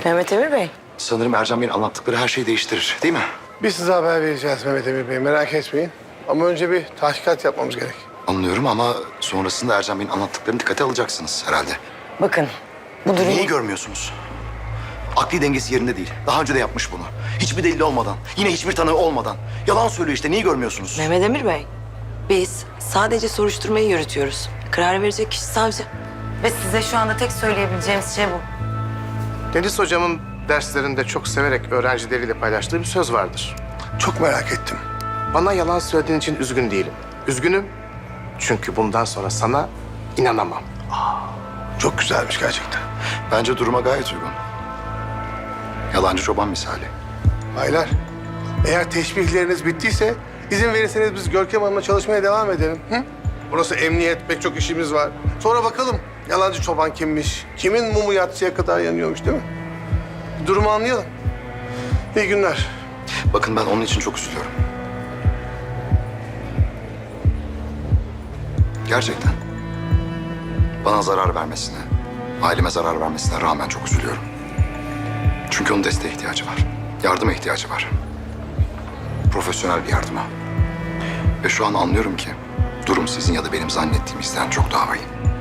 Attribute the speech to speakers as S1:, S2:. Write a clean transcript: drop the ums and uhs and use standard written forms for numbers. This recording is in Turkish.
S1: Mehmet Emir Bey.
S2: Sanırım Ercan Bey'in anlattıkları her şeyi değiştirir, değil mi?
S3: Biz size haber vereceğiz Mehmet Emir Bey, merak etmeyin. Ama önce bir tahkikat yapmamız gerek.
S2: Anlıyorum ama sonrasında Ercan Bey'in anlattıklarını dikkate alacaksınız herhalde.
S1: Bakın bu durum...
S2: Neyi görmüyorsunuz? Akli dengesi yerinde değil. Daha önce de yapmış bunu. Hiçbir delili olmadan, yine hiçbir tanığı olmadan. Yalan söylüyor işte, neyi görmüyorsunuz?
S1: Mehmet Emir Bey, biz sadece soruşturmayı yürütüyoruz. Karar verecek kişi savcı. Ve size şu anda tek söyleyebileceğimiz şey bu.
S4: Deniz hocamın derslerinde çok severek öğrencileriyle paylaştığı bir söz vardır.
S3: Çok merak ettim.
S4: Bana yalan söylediğin için üzgün değilim. Üzgünüm çünkü bundan sonra sana inanamam.
S3: Çok güzelmiş gerçekten.
S2: Bence duruma gayet uygun. Yalancı çoban misali.
S3: Baylar, eğer teşbihleriniz bittiyse izin verirseniz biz Görkem Hanım'la çalışmaya devam edelim. Hı? Burası emniyet, pek çok işimiz var. Sonra bakalım yalancı çoban kimmiş, kimin mumu yatsıya kadar yanıyormuş değil mi? Durumu anlayalım. İyi günler.
S2: Bakın ben onun için çok üzülüyorum. Gerçekten. Bana zarar vermesine, aileme zarar vermesine rağmen çok üzülüyorum. Çünkü onun desteğe ihtiyacı var. Yardıma ihtiyacı var. Profesyonel bir yardıma. Ve şu an anlıyorum ki durum sizin ya da benim zannettiğimizden çok daha vahim.